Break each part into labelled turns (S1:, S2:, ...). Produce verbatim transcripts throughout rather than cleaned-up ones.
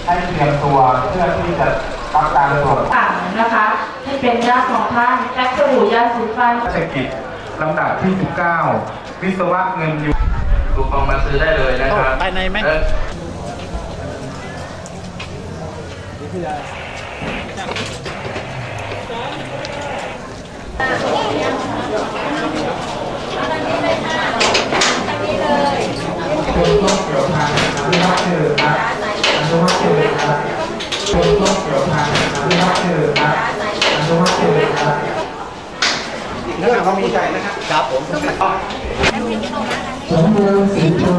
S1: ให้เตรียมตัวเพื่อที่จะรับการตรวจ
S2: ต่างนะคะที่เป็นญาติของท่านแพ็กสบู่ยาสีฟัน
S1: เศรษฐกิจลำดับที่สิบเก้าวิศวะเงินยูคูปองมาซื้อได้เลยนะครับ
S3: ไปในไหม
S1: คนต้องเกี่ยวทางอนุรักษ์เจริญครับอนุรักษ์เจริญครับคนต้องเกี่ยวทางอนุรักษ์เจริญครับอนุรักษ์เจริญครับ
S3: เรื่องเขามีใจนะครับครับผม
S1: สมบูรณ์สีชุม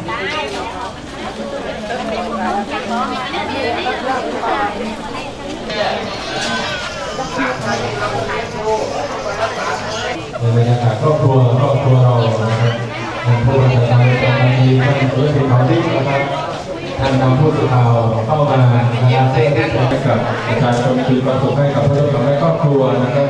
S4: ในบรรยากาศครอบครัวครอบครัวเรานะครับท่านผู้บัญชาการตำรวจดีท่านผู้สื่อข่าวที่นะครับท่านนำผู้สื่อข่าวเข้ามานะครับเพื่อที่จะให้กับประชาชนคืนความสุขให้กับผู้ร่วมและครอบครัวนะครับ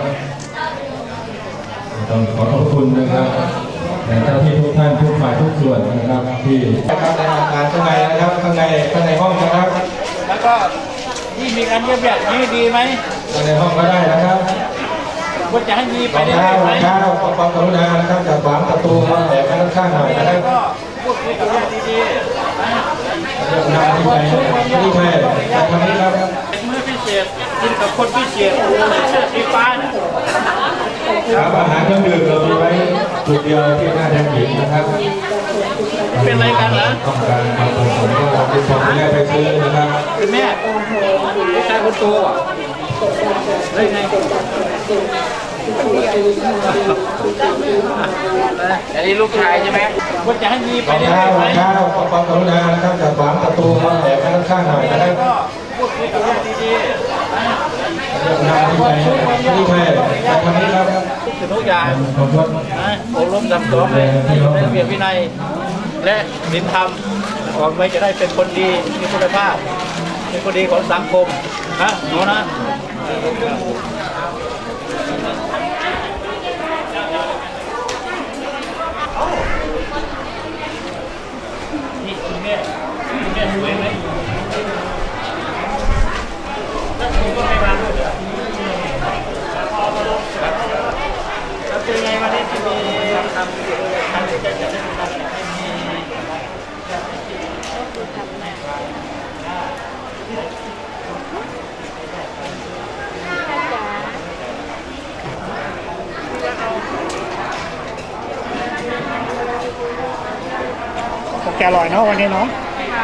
S4: ต้องขอขอบคุณนะครับแต่เจ้าที่ทุกท่านทุกฝ่ายทุกส่วนนะครับที่นะครับในอาคารข้างในนะครับข้างในข้างในห้องนะครับ
S3: แล้วก็ที่มีการเยี่ยมแบบนี้ดีไหม
S4: ข้างในห้องก็ได้นะครับ
S3: ควรจะให้มีไปได้ไหม
S4: ข้าวขอความกรุณานะครับจากขวางประตูมาแอบข้างข้างหน่อยนะครับ
S3: ก็พูดคุยกับญาติดี
S4: ๆเรื่องนำที่ไปที่แม่ทำนี้ครับ
S3: มื้อพิเศษกินกับคนพิเศษเสื้อสีฟ้าเนี่ย
S4: ครับอาหารเครื่องดื่มเรามีไว้จุดเดียวที่หน้าแทนหญิงนะครับ
S3: เป็นอะไรกันเหรอ
S4: ต้องการความผสมก็เราเป็นคนแม่ไปซื้อนะครับ
S3: เป็นแม่ลูกชายคนโตอ่ะได้ไงอันนี้ลูกชายใช่ไหมควรจะให้มีไปได้ไหม
S4: ข้าวขอความกรุณานะครับจากขวางประตูมาแอบข้างข้างหน่อยนะครับ
S3: ก็พูดคุยกับญาติดีๆ
S4: เรื่องนำที่ไปที่แม่ทำนี้ครับ
S3: ทุกอย่างอบรมสั่งสอนในระเบียบวินัยและศีลธรรมออกไว้จะได้เป็นคนดีมีคุณภาพเป็นคนดีของสังคมนะหนูนะนี่คุณแม่คุณแม่สวยไหมแล้วคุณก็ไม่มาด้วยเหรอเป็นไงวันนี้ที่มีทำเกี่ยวกับการที่จะจะได้ทำให้มีแกอร่อยเนาะวันนี้เนาะ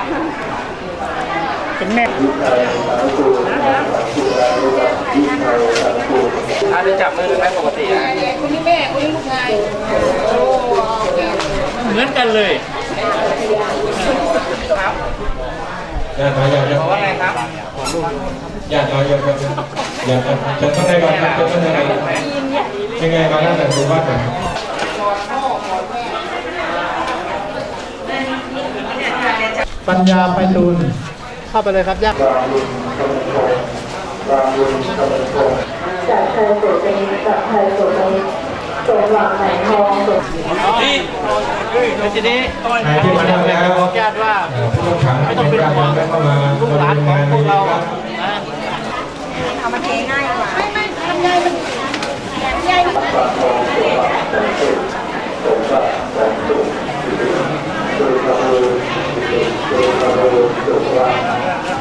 S3: เป็นแม่
S5: ถ้าได้จับมือไหมปกติอ่ะ
S2: คนนี้แม่คนนี้ลูกชาย
S3: เหมือนกันเลย
S5: ครับ
S4: อย่าต่ออย่าอย่า
S5: ว่าไงครับ
S4: อย่าต่ออย่าอย่าอย่าจะต้องได้ก่อนจะต้องได้ก่อนยังไงมาแล้วแต่ดูว่าแต่
S3: ปัญญาไปตูนเข้าไปเลยครับยักษ์
S2: จากไทยสุดเป็นจากไทยสุดเป็นสมหวังไหนทองสุด
S3: นี่ทีนี้
S4: ที่มาแล้ว
S3: บอกญาติว่าไม่ต้องเป็นห่วงลูกหลานของพวกเรา
S2: เอามาเทง่ายกว่าไม่ไม่ทำง่ายมันง่ายมัน